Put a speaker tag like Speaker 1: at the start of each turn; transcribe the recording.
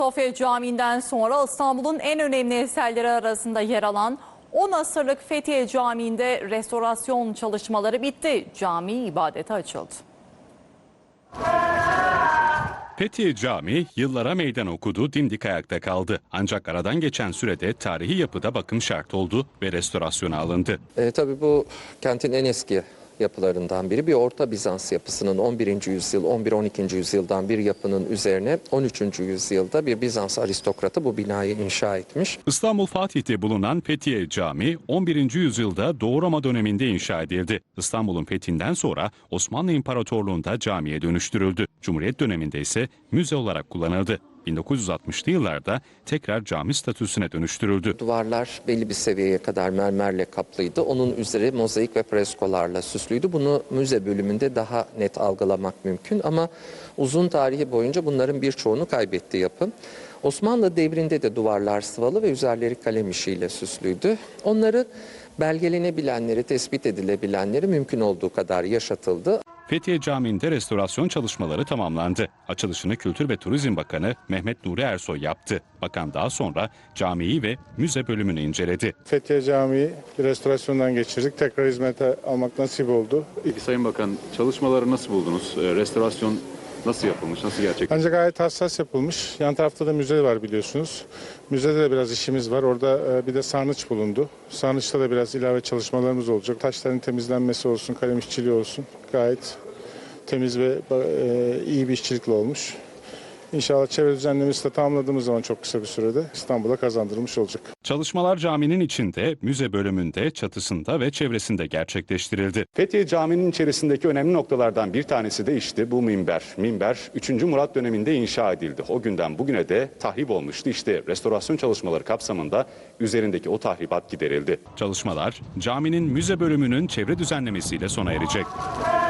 Speaker 1: Sofya Camii'nden sonra İstanbul'un en önemli eserleri arasında yer alan 10 asırlık Fethiye Camii'nde restorasyon çalışmaları bitti. Cami ibadete açıldı.
Speaker 2: Fethiye Camii yıllara meydan okudu, dimdik ayakta kaldı. Ancak aradan geçen sürede tarihi yapıda bakım şart oldu ve restorasyona alındı.
Speaker 3: Tabii bu kentin en eski yapılarından biri. Bir Orta Bizans yapısının 11. yüzyıl, 11-12. yüzyıldan bir yapının üzerine 13. yüzyılda bir Bizans aristokratı bu binayı inşa etmiş.
Speaker 2: İstanbul Fatih'te bulunan Fethiye Camii 11. yüzyılda Doğu Roma döneminde inşa edildi. İstanbul'un fethinden sonra Osmanlı İmparatorluğu'nda camiye dönüştürüldü. Cumhuriyet döneminde ise müze olarak kullanıldı. 1960'lı yıllarda tekrar cami statüsüne dönüştürüldü.
Speaker 3: Duvarlar belli bir seviyeye kadar mermerle kaplıydı. Onun üzeri mozaik ve freskolarla süslüydü. Bunu müze bölümünde daha net algılamak mümkün ama uzun tarihi boyunca bunların birçoğunu kaybetti yapı. Osmanlı devrinde de duvarlar sıvalı ve üzerleri kalem işiyle süslüydü. Onları belgelenebilenleri, tespit edilebilenleri mümkün olduğu kadar yaşatıldı.
Speaker 2: Fethiye Camii'nde restorasyon çalışmaları tamamlandı. Açılışını Kültür ve Turizm Bakanı Mehmet Nuri Ersoy yaptı. Bakan daha sonra camiyi ve müze bölümünü inceledi.
Speaker 4: Fethiye Camii bir restorasyondan geçirdik. Tekrar hizmete almak nasip oldu.
Speaker 5: Peki Sayın Bakan, çalışmaları nasıl buldunuz? Restorasyon nasıl yapılmış, nasıl gerçekleşti?
Speaker 4: Ancak gayet hassas yapılmış. Yan tarafta da müze var biliyorsunuz. Müzede de biraz işimiz var. Orada bir de sarnıç bulundu. Sarnıçta da biraz ilave çalışmalarımız olacak. Taşların temizlenmesi olsun, kalem işçiliği olsun. Gayet temiz ve iyi bir işçilikle olmuş. İnşallah çevre düzenlemesi de tamamladığımız zaman çok kısa bir sürede İstanbul'a kazandırılmış olacak.
Speaker 2: Çalışmalar caminin içinde, müze bölümünde, çatısında ve çevresinde gerçekleştirildi.
Speaker 5: Fethiye Camii'nin içerisindeki önemli noktalardan bir tanesi de işte bu minber. Minber 3. Murat döneminde inşa edildi. O günden bugüne de tahrip olmuştu. İşte restorasyon çalışmaları kapsamında üzerindeki o tahribat giderildi.
Speaker 2: Çalışmalar caminin müze bölümünün çevre düzenlemesiyle sona erecek.